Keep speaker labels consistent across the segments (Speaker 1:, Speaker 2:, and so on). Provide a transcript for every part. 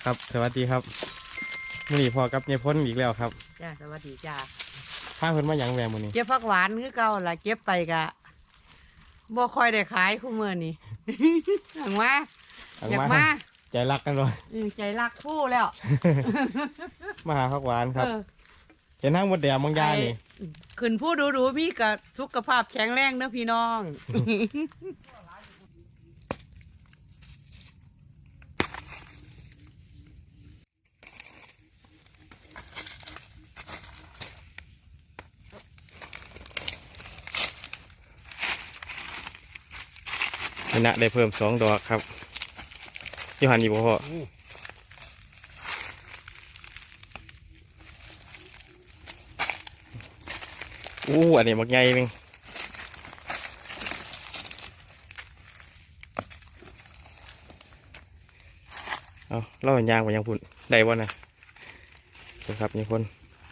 Speaker 1: ครับสวัสดีครับมื้อนี้พอกับยายพ้นอีกแล้วครับ
Speaker 2: จ้าสวัสดีจ้า
Speaker 1: พาเพิ่นมาหยังแหวมื้อนี้
Speaker 2: เก็บผักหวานคือเก่าล่ะเก็บไปกะบ่ค่อยได้ขายคู่มื้อนี้ หังว่าอยากมา
Speaker 1: ใจรักกันเลย
Speaker 2: ใจรักผู้แล้ว
Speaker 1: มาหาผักหวานครับเห็นทางมดแดงบางยานี่
Speaker 2: ขึ้นผู้ดูมีกับสุขภาพแข็งแรงเด้อพี่น้อง
Speaker 1: นะได้เพิ่ม2 ดอกครับอยู่หันอีกบ่พ่ออันนี้บักใหญ่นึงเอาเล่าเป็นยางกว่ายังพุ่นได้บ่นะครับนี่คน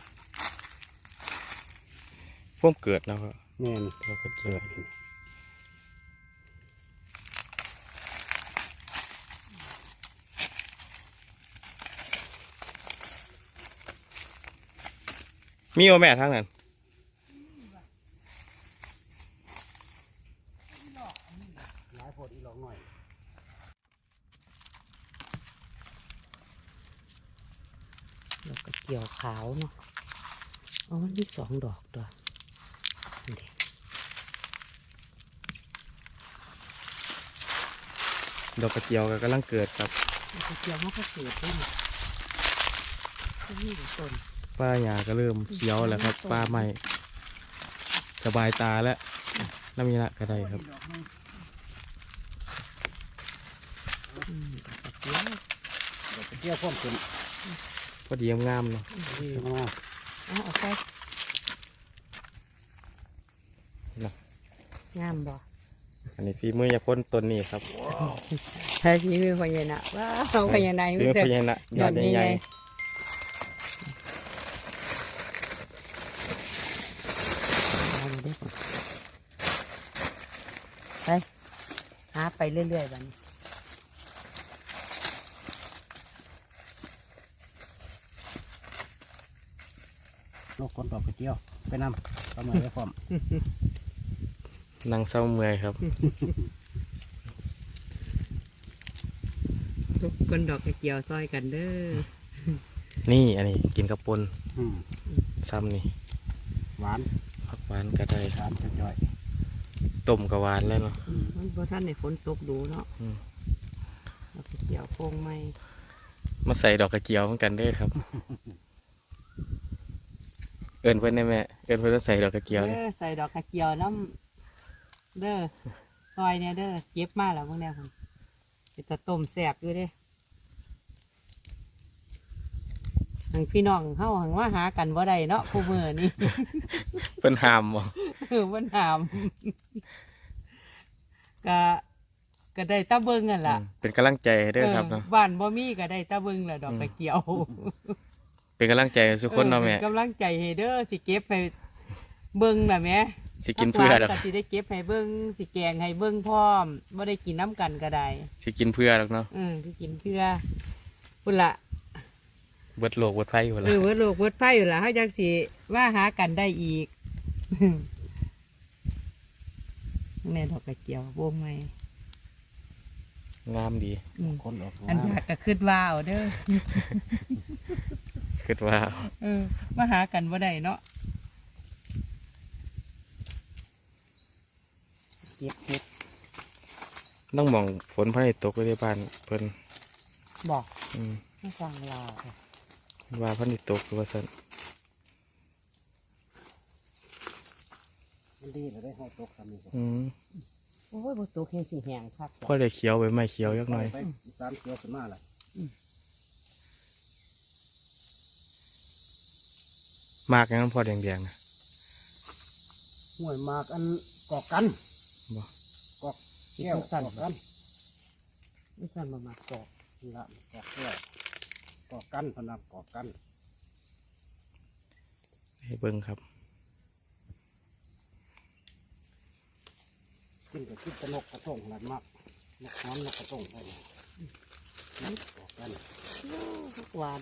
Speaker 1: พ่วมเกิดแล้วครับ
Speaker 3: แม่น
Speaker 1: เราก็เกิดมีโอแม่ทั้งนั้น
Speaker 3: หลายโพดอีหลอกหน่อย
Speaker 2: แล้วก็เกี่ยวขาวเนาะอ๋อมันมี2 ดอกตัวนี่
Speaker 1: ดอกกระเจียวก็กำลังเกิดครับ
Speaker 2: ดอกกระเจียวมันก็เกิดด้วยนี่ต้น
Speaker 1: ป้าหญ้าก็เริ่มเขียวแล้วครับป้าใหม่สบายตาแล้วน้ำมีละก็ได้ครับ
Speaker 3: เดี๋ยวไปเที่ยวพร้อมขึ้น
Speaker 1: พอดีงามเนาะ
Speaker 2: เอาไปงามบ่
Speaker 1: อันนี้ฝีมือยาพ่นต้นนี้ครับ
Speaker 2: ใช่ฝีมือพญานาคว้าวพญานาค
Speaker 1: ฝีมือพญานาคยอดใหญ่
Speaker 2: ไปหาไปเรื่อยๆบัดนี้
Speaker 3: นกคนดอกกระเจียวไปนำทำไมได้พร้อม
Speaker 1: นั่งเศร้าเมื่อยครับ
Speaker 2: ทุกคนดอกกระเจียวซอยกันเด้อ
Speaker 1: นี่อันนี้กินกระปนซ้ำนี่
Speaker 3: หวาน
Speaker 1: ผักหวานก็ได้
Speaker 3: หวานจ่อย
Speaker 1: ต้มกระหวานแล้วเนาะ
Speaker 2: มันพอท่านในฝนตกดูเนาะดอกกระเจียวโค้งไม้
Speaker 1: มาใส่ดอกกระเจียวเหมือนกันได้ครับเอิญเพื่อนได้ไหมเอิญเพื่อนใส่ดอกกระเจียว
Speaker 2: ใส่ดอกกระเจียวน้ำเด้อซอยเนี่ยเด้อเก็บมาแล้วพวกเนี้ยครับจะต้มแซ่บอยู่เด้ทางพี่น้องเข้าหังว่าหากันว่าใดเนาะคู่มือนี่
Speaker 1: เป็นหามบ่
Speaker 2: เป็นหามก็ได้ตะเบิงกันล่ะ
Speaker 1: เป็นกำลังใจเด้อครับ
Speaker 2: บ้านบ่มีก็ได้ตะเบิงแหละดอกกระเจียว
Speaker 1: เป็นกำลังใจทุกคนเนาะแม่
Speaker 2: กำลังใจให้เด้อสิเก็บให้เบิงน่ะแม่
Speaker 1: สิกินเพื่อหรอก
Speaker 2: สิได้เก็บให้เบิงสิแกงให้เบิงพร้อมบ่ได้กินน้ำกันก็ได้
Speaker 1: สิกินเพื่อหรอกเนาะ
Speaker 2: สิกินเพื่อพุ่นละ
Speaker 1: เบิดโลกเบิดไฟอยู่ละ
Speaker 2: เบิดโลกเบิดไฟอยู่ละเขาจังสิว่าหากันได้อีกแม่ดอกกระเจียวโบงไหม
Speaker 1: งามดี
Speaker 3: คนออก
Speaker 2: อันอยากก็ขึ้นว้าวเด้อ
Speaker 1: คิดว่า
Speaker 2: มาหากันบ่ได้เนาะ
Speaker 3: เก็บ
Speaker 1: ต้องมองฝนพระตกไปที่บ้านเพิ่น
Speaker 2: บอกไม่ฟังเรา
Speaker 1: ว่าพระตกคือว่าสั่น
Speaker 3: มันดีเลยได้ห้องตกทำนี่
Speaker 2: โอ้ยบ่ตกแห้งสิแห้งครับ
Speaker 1: พอได้เขียวไปไม่เขียวยักหน่อย
Speaker 3: สามเขียวขึ้นมาละ
Speaker 1: มากงั้นพอแดงๆนะ
Speaker 3: ห่วยมากอันกอกกันกอกแก้วสั่นกัน
Speaker 2: ไม่สั่นมากอก
Speaker 3: ละกอกแก้วกอกกันพนักกอกกัน
Speaker 1: ให้เบิ่งครับ
Speaker 3: กินกับกินกระนกกระต้งหลันมากนกน้ำนกกระต้งได้กอกกัน
Speaker 2: หวาน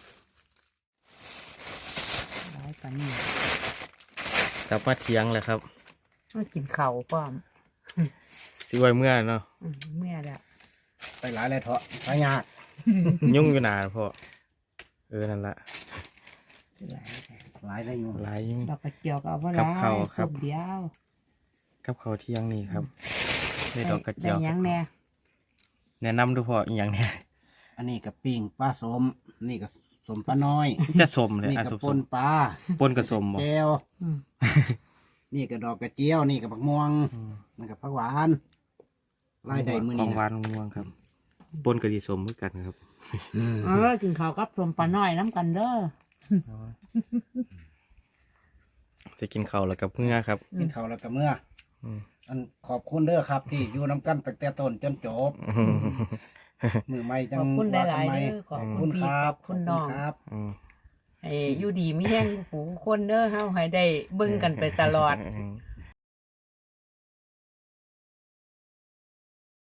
Speaker 2: หลายปานนี้
Speaker 1: กลับมาเที่ยงแล้วครับ
Speaker 2: มากินข้าวพร้อม
Speaker 1: สิไว้เมื่อเนาะ
Speaker 2: เมื่อแล้ว
Speaker 3: ไปหลายเลยเถอะไปยาก
Speaker 1: ยุ่งอยู่นานพ่อนั่นละ
Speaker 2: หลายแต่
Speaker 3: หลายได้อยู่
Speaker 1: หลายยุ่ง
Speaker 2: ดอกกระเจียวก็เอาบ่หลาย
Speaker 1: กับข้าวครับ
Speaker 2: เดียว
Speaker 1: กับข้าวเที่ยงนี่ครับในดอกกระเจียว
Speaker 2: ได้หยังแน่
Speaker 1: แนะนำดูพ่ออีกอย่างเนี่ย
Speaker 3: อันนี้กับปิ้งปลาสมนี่กับสมปลาน้อย
Speaker 1: จะสมเลย
Speaker 3: นี่
Speaker 1: อ่ะ
Speaker 3: กับ
Speaker 1: สม
Speaker 3: ปนปลา
Speaker 1: ปนกับสมบ่
Speaker 3: แก้ว
Speaker 2: อืม
Speaker 3: นี่กับดอกกระเจียวนี่กับผักม่วง
Speaker 1: อืม
Speaker 3: นี่กับผักหวานไล่ได้มือ
Speaker 1: ขอ
Speaker 3: นี่
Speaker 1: งหวา
Speaker 3: นะ
Speaker 1: นม่วงครับปนกับดีสมเหมือนกันครับ
Speaker 2: กินข้าวกับสมปลาน้อยน้ำกันเด้อ
Speaker 1: จะกินข้าวแล้วกับเมื่อครับ
Speaker 3: กินข้าวแล้วก็เมื่อ
Speaker 1: อืม
Speaker 3: อันขอบคุณเด้อครับ ที่อยู่น้ำกันตั้งแต่ต้นจนจบ มือไม่จั
Speaker 2: ข
Speaker 3: ง
Speaker 2: อบคุณห
Speaker 3: ว่า
Speaker 2: ลาย
Speaker 3: ทำไม
Speaker 2: ๆเด้อขอบ
Speaker 3: ขอบ
Speaker 2: คุ
Speaker 3: คุณ ณ
Speaker 2: พี่
Speaker 3: ครั
Speaker 2: ข
Speaker 3: บ
Speaker 2: อบคุณน้อง
Speaker 3: ครับ
Speaker 1: อืม
Speaker 2: ให้อยู่ดีมีแห้งหูคนเด้อเฮาให้ได้เบิ่งกันไปตลอด
Speaker 1: อืม